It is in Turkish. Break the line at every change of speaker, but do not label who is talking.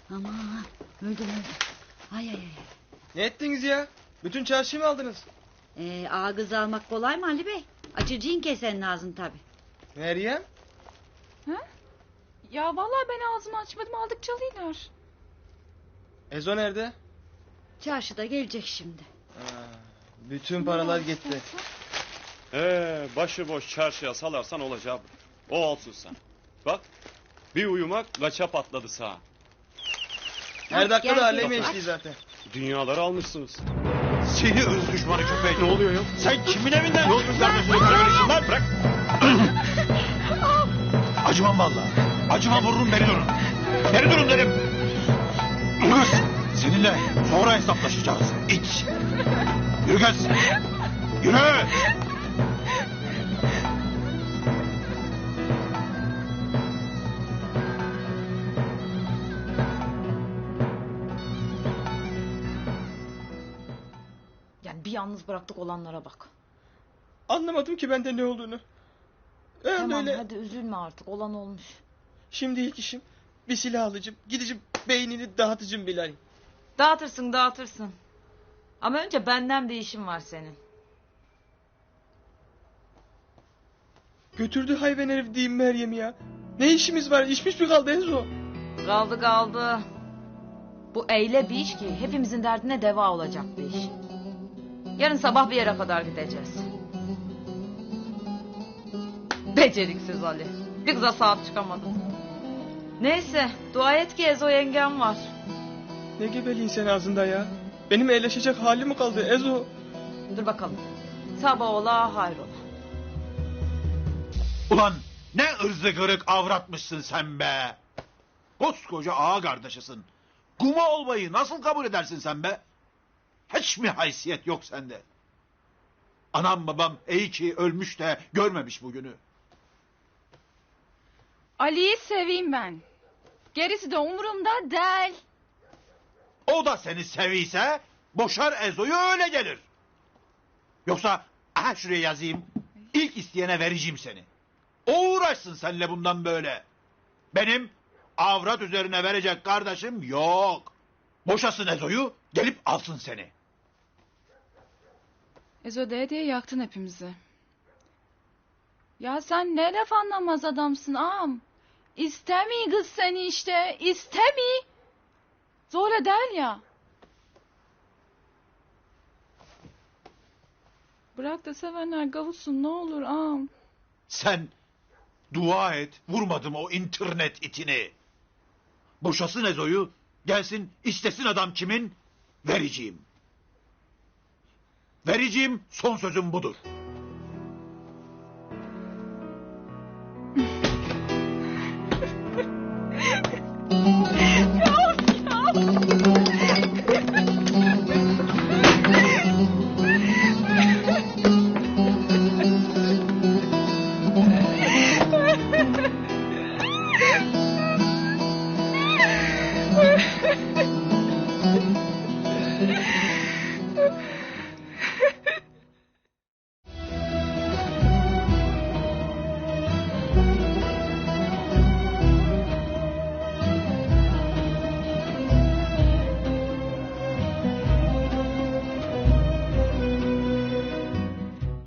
Aman öldüm. Ay.
Ne ettiniz ya? Bütün çarşıyı mı aldınız?
Ağa kız almak kolay mı Ali Bey? Açıcıyın kesenin ağzını tabi.
Meryem?
Ha? Ya vallahi ben ağzımı açmadım, aldık çalıyorlar.
Ezo nerede?
Çarşıda gelecek şimdi.
Bütün paralar gitti.
Başıboş çarşıya salarsan olacağı bu. O olsun sen. Bak bir uyumak kaça patladı sağa.
Her dakika
Gel,
da alemi
gel.
eşliği zaten.
Dünyaları almışsınız.
Seni ırz düşmanı köpek.
Ne oluyor ya?
Sen kimin evinden yolcuk kardeşini kararıyorsun lan? Bırak. Acımam vallahi. Acımam, vururum, beri durun. Beri durun dedim. Kız, seninle sonra hesaplaşacağız. İç. Yürü kız. Yürü.
Yani bir yalnız bıraktık olanlara bak.
Anlamadım ki bende ne olduğunu.
Tamam
Öyle.
hadi üzülme artık, olan olmuş.
Şimdi ilk işim bir silah alacağım. Gideceğim beynini dağıtacağım Bilal.
Dağıtırsın. Ama önce benden bir işim var senin.
Götürdü hayvan herif diyeyim Meryem ya. Ne işimiz var? İşmiş mi kaldı Ezo?
Kaldı. Bu eyle bir iş ki hepimizin derdine deva olacak bir iş. Yarın sabah bir yere kadar gideceğiz. Beceriksiz Ali. Bir kıza sahip çıkamadım. Neyse dua et ki Ezo yengem var.
Ne gebeliğin sen ağzında ya? Benim eğleşecek hali mi kaldı Ezo?
Dur bakalım. Sabah ola hayrola.
Ulan ne ırzı kırık avratmışsın sen be. Koskoca ağa kardeşisin. Kuma olmayı nasıl kabul edersin sen be? Hiç mi haysiyet yok sende? Anam babam iyi ki ölmüş de görmemiş bugünü.
Ali'yi seveyim ben. Gerisi de umurumda değil.
O da seni seviyse boşar Ezo'yu, öyle gelir. Yoksa aha şuraya yazayım. İlk isteyene vereceğim seni. O uğraşsın seninle bundan böyle. Benim avrat üzerine verecek kardeşim yok. Boşasın Ezo'yu, gelip alsın seni.
Ezo diye yaktın hepimizi. Ya sen ne laf anlamaz adamsın ağam. İstemi kız seni işte, istemi. Zorla değil ya. Bırak da sevenler kavuşsun ne olur ağam.
Sen dua et, vurmadım o internet itini. Boşasın Ezo'yu, gelsin istesin adam kimin, vereceğim. Vereceğim, son sözüm budur.